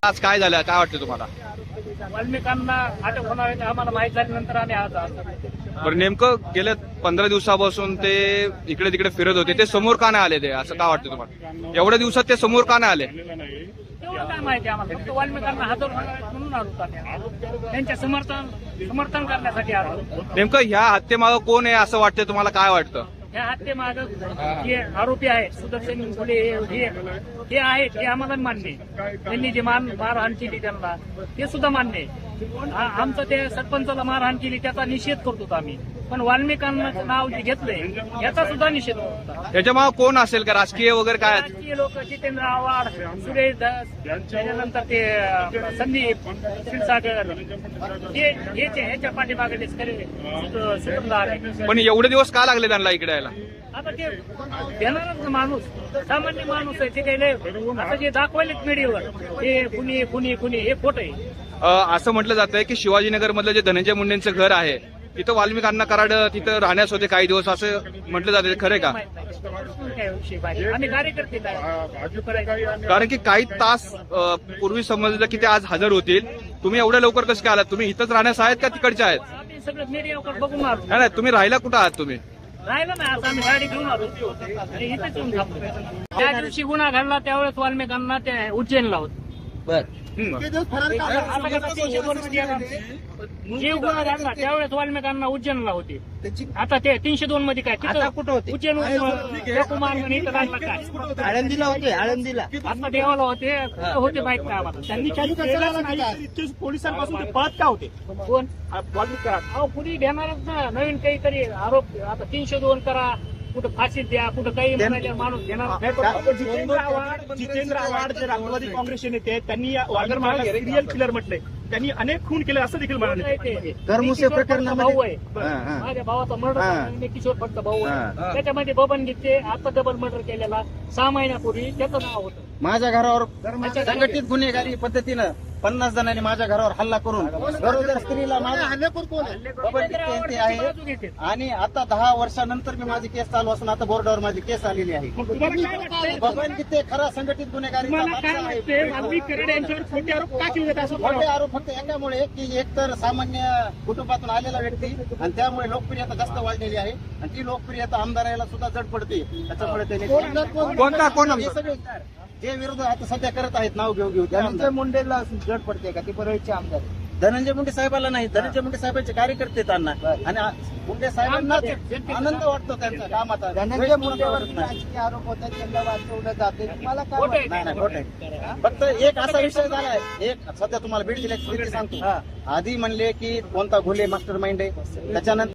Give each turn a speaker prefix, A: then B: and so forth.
A: आज काय झालं, काय वाटतं तुम्हाला?
B: वाल्मिकांना अटक होणार आहे आम्हाला माहित झाल्यानंतर आम्ही आज आलो.
A: बरं, नेमकं गेल्या 15 दिवसापासून ते इकडे तिकडे फिरत होते, ते समोर का नाही आले? ते असं का वाटतं तुम्हाला? एवढ्या दिवसात ते समोर का नाही आले?
B: तेवढं काय माहिती आम्हाला, फक्त वाल्मिकांना हजर होणार आहेत म्हणून आलो आम्ही. त्यांचे समर्थन करण्यासाठी आलो.
A: नेमकं ह्या हत्येमागं कोण आहे असं वाटतं तुम्हाला? काय वाटतं?
B: ह्या हत्येमागं जे आरोपी आहेत सुदर्शन फुले हे आहेत हे आम्हाला मान्य आहे. त्यांनी जे मारहाण केली त्यांना ते सुद्धा मान्य आहे. आमचं ते सरपंचाला मारहाण केली त्याचा निषेध करतो आम्ही, पण वाल्मिकांना नाव जे घेतलंय याचा सुद्धा निषेध करतो.
A: त्याच्यामागं कोण असेल का? राजकीय वगैरे काय?
B: राजकीय लोक जितेंद्र आव्हाड, सुरेश धस, त्याच्यानंतर ते संदीप क्षीरसागर ह्याच्या पाठीमागे सुटमदार आहे.
A: पण एवढे दिवस का लागले त्यांना इकडे यायला?
B: आता ते देणारच माणूस, सामान्य माणूस आहे ते काही लय आता जे दाखवायलेत मीडियावर हे कुणी हे खोटं आहे.
A: असं म्हटलं जातंय की शिवाजीनगर मधलं जे धनंजय मुंडेंचं घर आहे तिथं वाल्मिक अण्णा कराड तिथं राहण्यास होते काही दिवस, असं म्हटलं जाते, खरं का?
B: आम्ही कार्यकर्ते
A: कारण की काही तास पूर्वी समजलं की ते आज हजर होतील. तुम्ही एवढ्या लवकर कसं काय आलात? तुम्ही इथंच राहण्यास आहेत का तिकडच्या आहेत?
B: आम्ही सगळं मीडियावर बघून आलो.
A: नाही, तुम्ही राहिला कुठं आहात तुम्ही?
B: राहिलं नाही, आता आम्ही गाडी घेऊन आलो आणि इथेच येऊन थांबलो. त्या दिवशी गुन्हा घडला त्यावेळेस वाल्मिकांना ते उज्जैनला होत. जे गुन्हा घडला त्यावेळेस वाल्मिकांना उज्जैनला होते. आता ते 302 मध्ये काय कुठं होते? उज्जैन
C: आळंदीला होते, आळंदीला
B: आता देवाला होते माहित नाही आम्हाला. त्यांनी
C: पोलिसांपासून ते पळत का होते?
B: कोण पुढे घेणारच ना नवीन काहीतरी आरोप. आता 302 करा, कुठं फाशी द्या, कुठं काही म्हणायला माणूस घेणार.
C: जितेंद्र आव्हाड जे राष्ट्रवादी काँग्रेसचे नेते आहेत, त्यांनी वाघरमाळा सिरियल किलर म्हटलंय. त्यांनी अनेक खून केले असं देखील म्हणाले.
B: धर्मुसे भाऊ आहे, माझ्या भावाचा मर्डर किशोर भटचा भाऊ आहे. त्याच्यामध्ये बबन गीते आता डबल मर्डर केलेला 6 महिन्यापूर्वी त्याचं नाव होतं.
C: माझ्या घरावर संघटित गुन्हेगारी पद्धतीनं 50 जणांनी माझ्या घरावर हल्ला करून गरोदर स्त्रीला आहे. आणि आता 10 वर्षानंतर मी माझी केस चालू असून आता बोर्डावर माझी केस आलेली आहे. बबन गीते खरा संघटित गुन्हेगारी खोटे आरोप फक्त एकामुळे की एक तर सामान्य कुटुंबातून आलेला व्यक्ती आणि त्यामुळे लोकप्रियता जास्त वाढलेली आहे आणि ती लोकप्रियता आमदाराला सुद्धा जड पडते. त्याच्यामुळे ते जे विरोध आता सध्या करत आहेत नाव घेऊ धनंजय मुंडेला जड पडते का? ती परळीचे आमदार धनंजय मुंडे साहेबाला नाही, धनंजय मुंडे साहेबांचे कार्यकर्ते त्यांना आणि मुंडे साहेबांना आनंद वाटतो त्यांच्या कामाचा. धनंजय मुंडेवर राजकीय आरोप होतात, त्यांना वाचवलं जाते. तुम्हाला काय? नाही खोटे. फक्त एक असा विषय झालाय, एक सध्या तुम्हाला बीड जिल्ह्याची स्थिती सांगतो. आधी म्हणले की कोणता घोले मास्टर माइंड आहे, त्याच्यानंतर